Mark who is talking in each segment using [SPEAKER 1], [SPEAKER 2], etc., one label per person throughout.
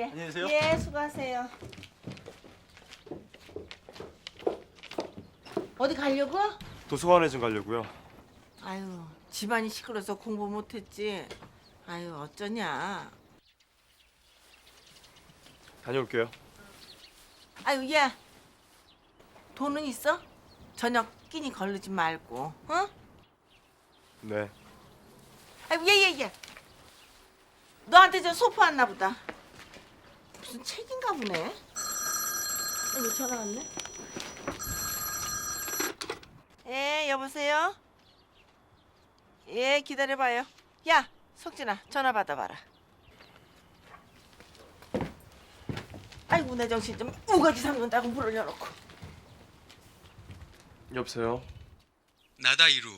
[SPEAKER 1] 안녕히 계세요.
[SPEAKER 2] 예, 수고하세요. 어디 가려고?
[SPEAKER 1] 도서관에 좀 가려고요.
[SPEAKER 2] 아유, 집안이 시끄러서 공부 못했지. 아유, 어쩌냐.
[SPEAKER 1] 다녀올게요.
[SPEAKER 2] 아유, 야. 돈은 있어? 저녁 끼니 걸르지 말고, 어?
[SPEAKER 1] 네.
[SPEAKER 2] 아유, 얘. 너한테 저 소포 왔나 보다. 무슨 책인가 보네. 아이고, 전화 왔네. 예, 여보세요? 예, 기다려봐요. 야, 석진아, 전화 받아봐라. 아이고, 내 정신 좀 우거지 삼근다고 문을 열어놓고.
[SPEAKER 1] 여보세요.
[SPEAKER 3] 나다 이루.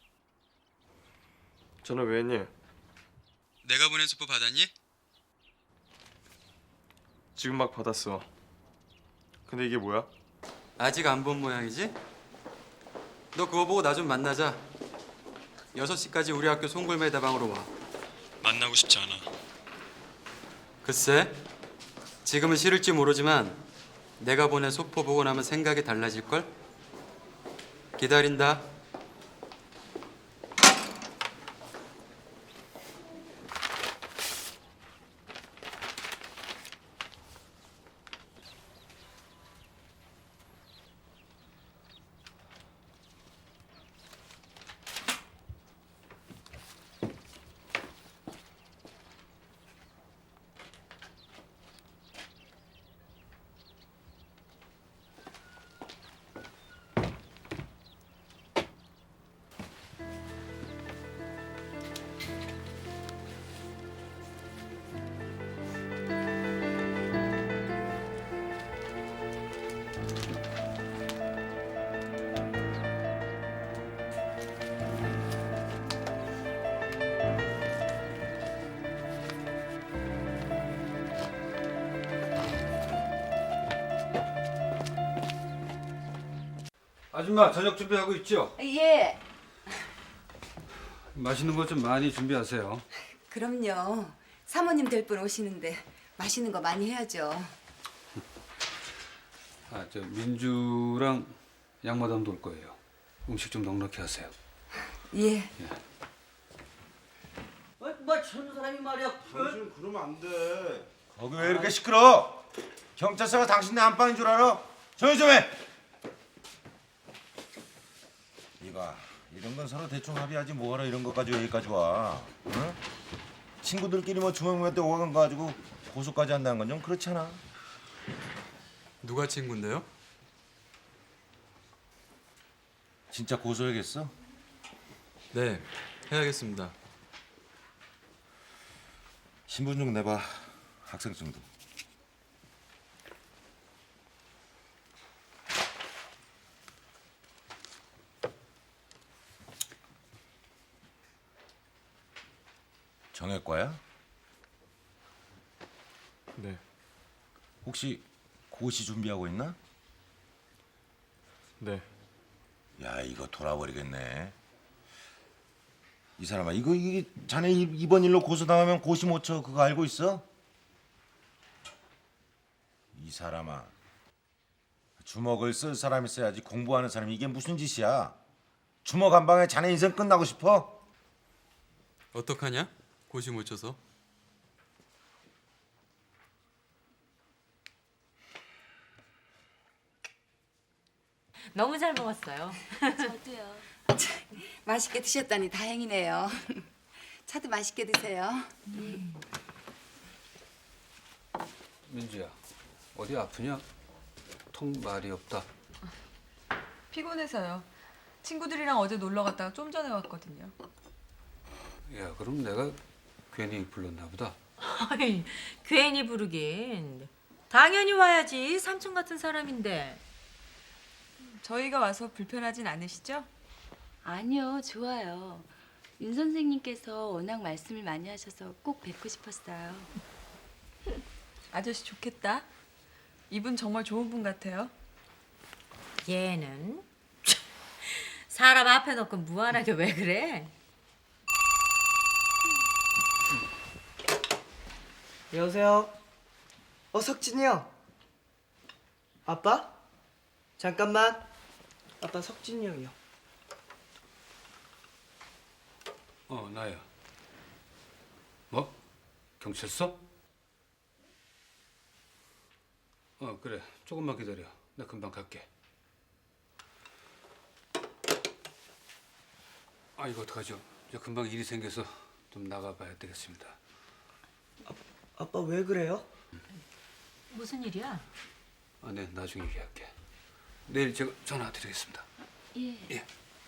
[SPEAKER 1] 전화 왜 했니?
[SPEAKER 3] 내가 보낸 소포 받았니?
[SPEAKER 1] 지금 막 받았어. 근데 이게 뭐야?
[SPEAKER 3] 아직 안 본 모양이지? 너 그거 보고 나 좀 만나자. 6시까지 우리 학교 송골매 다방으로 와. 만나고 싶지 않아. 글쎄, 지금은 싫을지 모르지만 내가 보낸 소포 보고 나면 생각이 달라질걸? 기다린다.
[SPEAKER 4] 아줌마 저녁 준비하고 있죠?
[SPEAKER 5] 예,
[SPEAKER 4] 맛있는 거 좀 많이 준비하세요.
[SPEAKER 5] 그럼요. 사모님 될 분 오시는데 맛있는 거 많이 해야죠.
[SPEAKER 4] 저 민주랑 양마담도 올 거예요. 음식 좀 넉넉히 하세요.
[SPEAKER 5] 예.
[SPEAKER 2] 뭐 저런 사람이 말이야.
[SPEAKER 6] 당신 그러면 안 돼. 거기 왜 이렇게 시끄러? 경찰서가 당신네 안방인 줄 알아? 조용히 좀 해. 이봐, 이런 건 서로 대충 합의하지 뭐하러 이런 것까지 여기까지 와? 응? 친구들끼리 뭐 주먹 때 오간 거 가지고 고소까지 한다는 건 좀 그렇잖아.
[SPEAKER 3] 누가 친구인데요?
[SPEAKER 6] 진짜 고소해야겠어?
[SPEAKER 3] 네, 해야겠습니다.
[SPEAKER 6] 신분증 내봐. 학생증도. 정외과야?
[SPEAKER 1] 네.
[SPEAKER 6] 혹시 고시 준비하고 있나?
[SPEAKER 1] 네.
[SPEAKER 6] 야, 이거 돌아버리겠네. 이 사람아, 이게 자네 이번 일로 고소당하면 고시 못 쳐. 그거 알고 있어? 이 사람아, 주먹을 쓸 사람이 있어야지 공부하는 사람이. 이게 무슨 짓이야? 주먹 한 방에 자네 인생 끝나고 싶어?
[SPEAKER 3] 어떡하냐? 고시 못 쳐서.
[SPEAKER 7] 너무 잘 먹었어요.
[SPEAKER 5] 저도요. 맛있게 드셨다니 다행이네요. 차도 맛있게 드세요.
[SPEAKER 4] 민주야, 어디 아프냐? 통 말이 없다.
[SPEAKER 8] 피곤해서요. 친구들이랑 어제 놀러 갔다가 좀 전에 왔거든요.
[SPEAKER 4] 야, 그럼 내가 괜히 불렀나 보다.
[SPEAKER 7] 아이, 괜히 부르긴. 당연히 와야지. 삼촌 같은 사람인데.
[SPEAKER 8] 저희가 와서 불편하진 않으시죠?
[SPEAKER 9] 아니요, 좋아요. 윤 선생님께서 워낙 말씀을 많이 하셔서 꼭 뵙고 싶었어요.
[SPEAKER 8] 아저씨 좋겠다. 이분 정말 좋은 분 같아요.
[SPEAKER 7] 얘는 사람 앞에 놓고 무한하게 왜 그래?
[SPEAKER 2] 여보세요? 석진이 형. 아빠? 잠깐만. 아빠 석진이 형이요.
[SPEAKER 4] 나야. 뭐? 경찰서? 그래. 조금만 기다려. 나 금방 갈게. 이거 어떡하죠? 저 금방 일이 생겨서 좀 나가봐야 되겠습니다.
[SPEAKER 2] 아빠 왜 그래요?
[SPEAKER 7] 무슨 일이야?
[SPEAKER 4] 네, 나중에 얘기할게. 내일 제가 전화 드리겠습니다.
[SPEAKER 9] 예.
[SPEAKER 4] 예.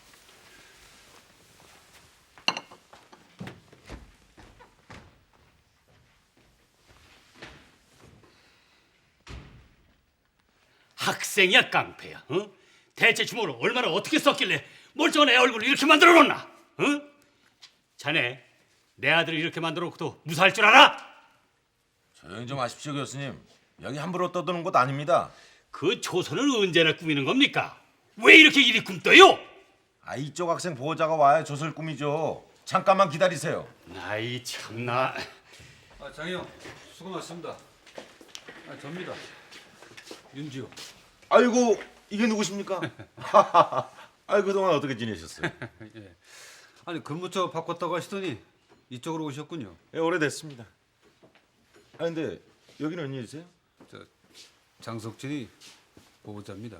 [SPEAKER 10] 학생이야 깡패야. 어? 대체 주먹을 얼마나 어떻게 썼길래 멀쩡한 애 얼굴을 이렇게 만들어 놓나? 어? 자네 내 아들을 이렇게 만들어 놓고도 무사할 줄 알아?
[SPEAKER 6] 조용히 좀 하십시오 교수님. 여기 함부로 떠드는 곳 아닙니다.
[SPEAKER 10] 그 조선을 언제나 꾸미는 겁니까? 왜 이렇게 일이 굼떠요?
[SPEAKER 6] 이쪽 학생 보호자가 와야 조설 꿈이죠. 잠깐만 기다리세요.
[SPEAKER 10] 아이 참나.
[SPEAKER 4] 장형 수고 많습니다. 접니다. 윤지호.
[SPEAKER 6] 아이고 이게 누구십니까? 그동안 어떻게 지내셨어요?
[SPEAKER 4] 예. 근무처 바꿨다고 하시더니 이쪽으로 오셨군요.
[SPEAKER 6] 예, 오래됐습니다. 근데 여기는 웬일이세요?
[SPEAKER 4] 장석진이 보호자입니다.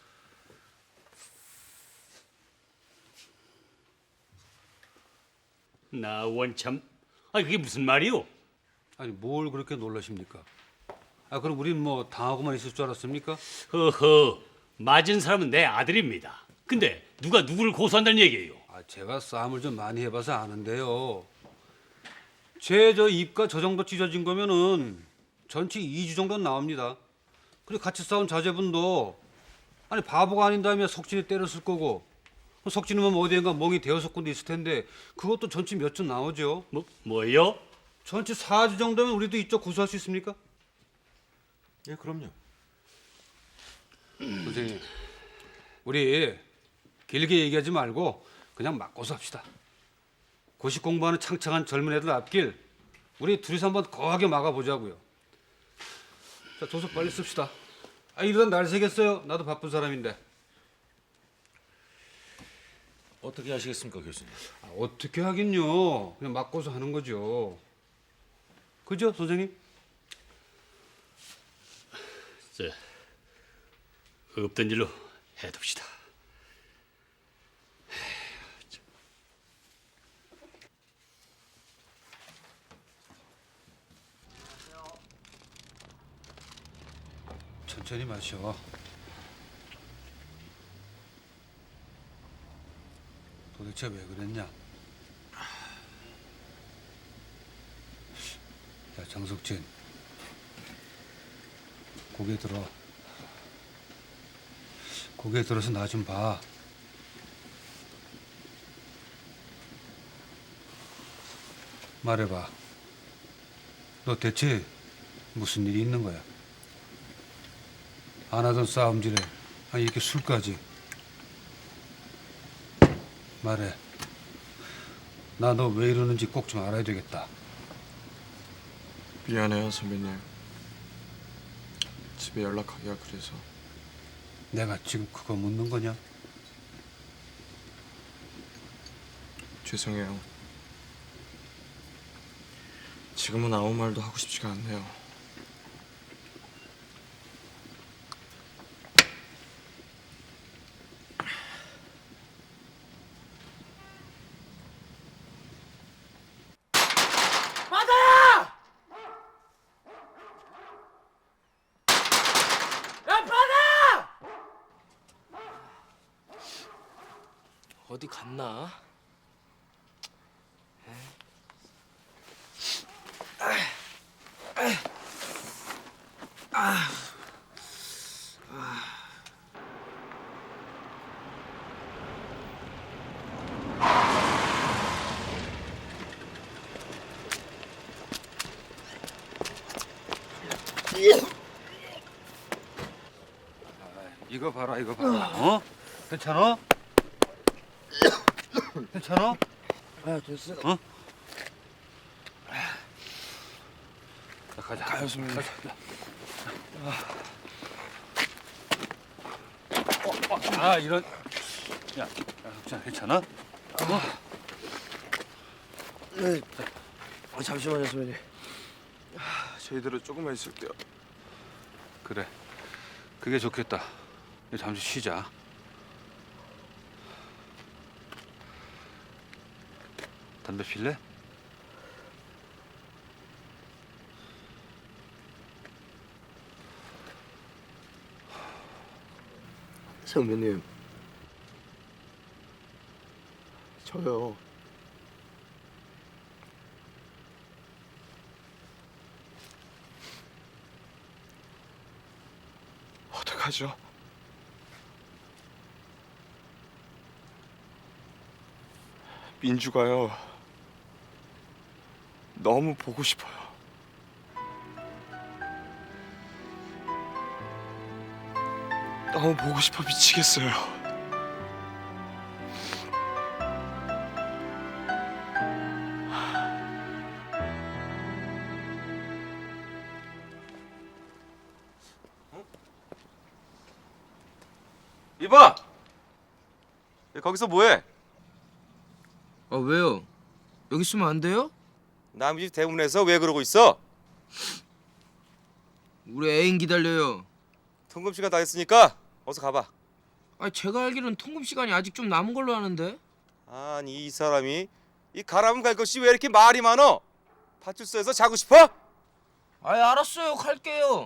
[SPEAKER 10] 나 원참. 그게 무슨 말이오?
[SPEAKER 4] 뭘 그렇게 놀라십니까? 그럼 우린 뭐 당하고만 있을 줄 알았습니까?
[SPEAKER 10] 허허. 맞은 사람은 내 아들입니다. 근데 누가 누구를 고소한다는 얘기예요?
[SPEAKER 4] 제가 싸움을 좀 많이 해봐서 아는데요. 제 입가 저 정도 찢어진 거면은 전치 2주 정도는 나옵니다. 그리고 같이 싸운 자제분도 바보가 아닌다면 석진이 때렸을 거고 석진이면 어디엔가 멍이 대여섯 군데 있을 텐데 그것도 전치 몇 주 나오죠.
[SPEAKER 10] 뭐요?
[SPEAKER 4] 전치 4주 정도면 우리도 이쪽 고소할 수 있습니까?
[SPEAKER 6] 예, 그럼요.
[SPEAKER 4] 선생님, 우리 길게 얘기하지 말고 그냥 맞고서 합시다. 고시 공부하는 창창한 젊은 애들 앞길 우리 둘이서 한번 거하게 막아보자고요. 자, 도서 빨리 씁시다. 이러다 날 새겠어요. 나도 바쁜 사람인데.
[SPEAKER 6] 어떻게 하시겠습니까 교수님?
[SPEAKER 4] 어떻게 하긴요. 그냥 맞고서 하는 거죠. 그죠, 선생님?
[SPEAKER 10] 없던 일로 해둡시다.
[SPEAKER 4] 천천히 마셔. 도대체 왜 그랬냐? 야, 장석진. 고개 들어. 고개 들어서 나 좀 봐. 말해봐. 너 대체 무슨 일이 있는 거야? 안 하던 싸움질에 이렇게 술까지. 말해. 나 너 왜 이러는지 꼭 좀 알아야 되겠다.
[SPEAKER 1] 미안해요 선배님. 집에 연락하기가 그래서.
[SPEAKER 4] 내가 지금 그거 묻는 거냐?
[SPEAKER 1] 죄송해요. 지금은 아무 말도 하고 싶지가 않네요.
[SPEAKER 2] 바다야! 야 바다!
[SPEAKER 11] 어디 갔나?
[SPEAKER 4] 이거 봐라, 이거 봐라. 괜찮아? 괜찮아?
[SPEAKER 11] 됐어.
[SPEAKER 4] 자, 가자.
[SPEAKER 1] 가요 선배님.
[SPEAKER 4] 가자. 이런. 야, 흑진아 괜찮아?
[SPEAKER 11] 네. 잠시만요, 선배님.
[SPEAKER 1] 저희들은 조금만 있을게요.
[SPEAKER 4] 그래. 그게 좋겠다. 이제 잠시 쉬자. 담배 필래?
[SPEAKER 11] 선배님. 저요.
[SPEAKER 1] 어떡하죠? 민주가요. 너무 보고 싶어요. 너무 보고 싶어 미치겠어요.
[SPEAKER 6] 이봐. 거기서 뭐해?
[SPEAKER 11] 아, 왜요? 여기 있으면 안 돼요?
[SPEAKER 6] 남의 집 대문에서 왜 그러고 있어?
[SPEAKER 11] 우리 애인 기다려요.
[SPEAKER 6] 통금 시간 다 됐으니까 어서 가봐.
[SPEAKER 11] 아, 제가 알기로는 통금 시간이 아직 좀 남은 걸로 아는데.
[SPEAKER 6] 아니 이 사람이 이 가라면 갈 것이 왜 이렇게 말이 많어? 파출소에서 자고 싶어?
[SPEAKER 11] 아, 알았어요. 갈게요.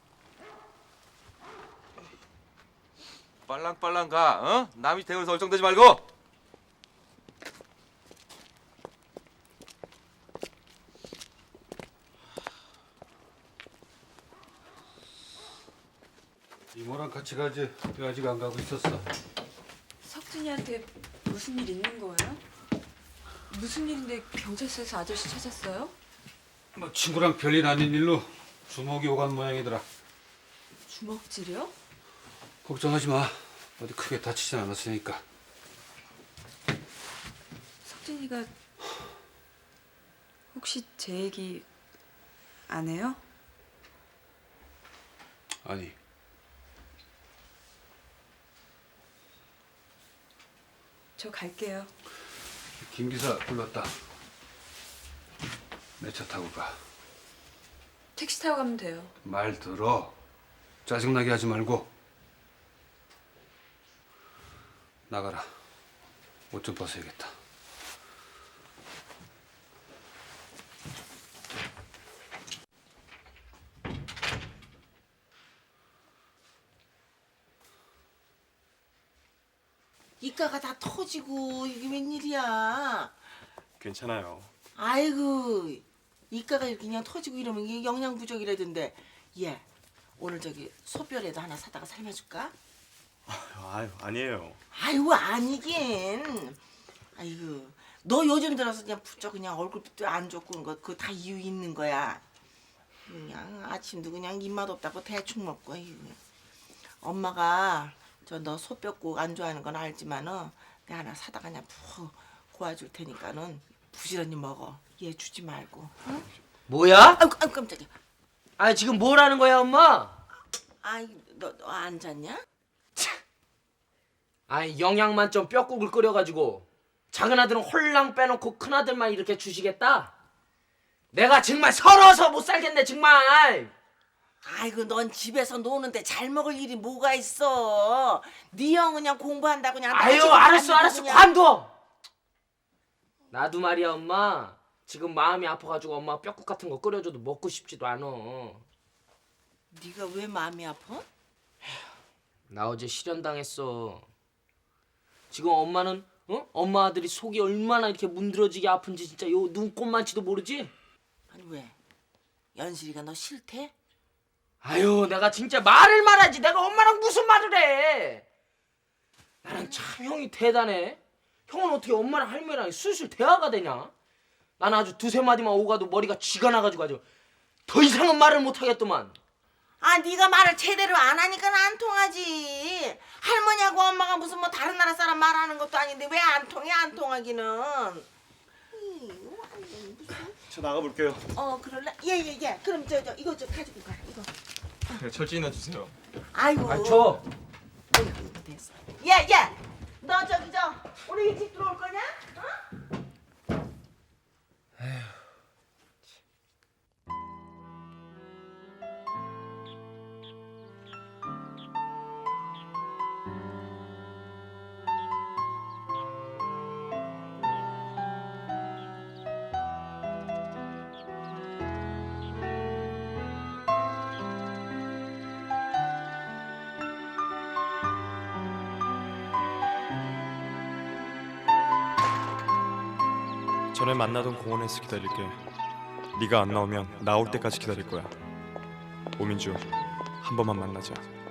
[SPEAKER 6] 빨랑빨랑 가. 어? 남의 대문에서 얼쩡대지 말고.
[SPEAKER 4] 이모랑 같이 가지. 왜 아직 안 가고 있었어?
[SPEAKER 8] 석진이한테 무슨 일 있는 거예요? 무슨 일인데 경찰서에서 아저씨 찾았어요?
[SPEAKER 4] 뭐 친구랑 별일 아닌 일로 주먹이 오간 모양이더라.
[SPEAKER 8] 주먹질이요?
[SPEAKER 4] 걱정하지 마. 어디 크게 다치진 않았으니까.
[SPEAKER 8] 석진이가 혹시 제 얘기 안 해요?
[SPEAKER 4] 아니.
[SPEAKER 8] 저 갈게요.
[SPEAKER 4] 김 기사 불렀다. 내 차 타고 가.
[SPEAKER 8] 택시 타고 가면 돼요.
[SPEAKER 4] 말 들어. 짜증나게 하지 말고. 나가라. 옷 좀 벗어야겠다.
[SPEAKER 2] 이가가 다 터지고 이게 웬일이야?
[SPEAKER 1] 괜찮아요.
[SPEAKER 2] 아이고 이가가 이렇게 그냥 터지고 이러면 이게 영양 부족이라던데. 얘 오늘 저기 소별에도 하나 사다가 삶아줄까?
[SPEAKER 1] 아유 아니에요.
[SPEAKER 2] 아이고 아니긴. 아이고 너 요즘 들어서 그냥 부쩍 그냥 얼굴도 안 좋고 그런 거 그거 다 이유 있는 거야. 그냥 아침도 그냥 입맛 없다고 대충 먹고. 아이고. 엄마가 저 너 소뼈국 안 좋아하는 건 알지만은 내가 하나 사다가 그냥 푹 고아줄 테니까는 부지런히 먹어. 얘 주지 말고. 응?
[SPEAKER 11] 뭐야?
[SPEAKER 2] 아이고 깜짝이야.
[SPEAKER 11] 아, 지금 뭘 하는 거야, 엄마?
[SPEAKER 2] 아이 너 안 잤냐?
[SPEAKER 11] 아이, 영양 만점 뼈국을 끓여가지고 작은 아들은 홀랑 빼놓고 큰 아들만 이렇게 주시겠다? 내가 정말 서러워서 못 살겠네, 정말.
[SPEAKER 2] 아이고 넌 집에서 노는데 잘 먹을 일이 뭐가 있어. 네 형 그냥 공부한다고 그냥
[SPEAKER 11] 아유,
[SPEAKER 2] 나지도
[SPEAKER 11] 알았어,
[SPEAKER 2] 않고
[SPEAKER 11] 알았어,
[SPEAKER 2] 그냥.
[SPEAKER 11] 관둬. 나도 말이야, 엄마. 지금 마음이 아파가지고 엄마 뼈국 같은 거 끓여줘도 먹고 싶지도 않아.
[SPEAKER 2] 네가 왜 마음이 아파?
[SPEAKER 11] 나 어제 실연당했어. 지금 엄마는 엄마 아들이 속이 얼마나 이렇게 문드러지게 아픈지 진짜 요 눈꼽만치도 모르지?
[SPEAKER 2] 아니 왜? 연실이가 너 싫대?
[SPEAKER 11] 아유, 내가 진짜 말을 말하지. 내가 엄마랑 무슨 말을 해? 나는 참 형이 대단해. 형은 어떻게 엄마랑 할머니랑 술술 대화가 되냐? 나는 아주 두세 마디만 오가도 머리가 쥐가 나가지고 아주 더 이상은 말을 못하겠더만.
[SPEAKER 2] 아 네가 말을 제대로 안 하니까 안 통하지. 할머니하고 엄마가 무슨 뭐 다른 나라 사람 말하는 것도 아닌데 왜 안 통해? 안 통하기는.
[SPEAKER 1] 저 나가 볼게요.
[SPEAKER 2] 그럴래? 예예예. 그럼 저 이거 좀 가지고 가. 이거
[SPEAKER 1] 네, 철진이나 주세요.
[SPEAKER 2] 아이고.
[SPEAKER 11] 아, 줘.
[SPEAKER 2] 됐어. 야, 너 저기 오늘 일찍 들어올 거냐? 어?
[SPEAKER 1] 전에 만나던 공원에서 기다릴게. 네가 안 나오면 나올 때까지 기다릴 거야. 오민주, 한 번만 만나자.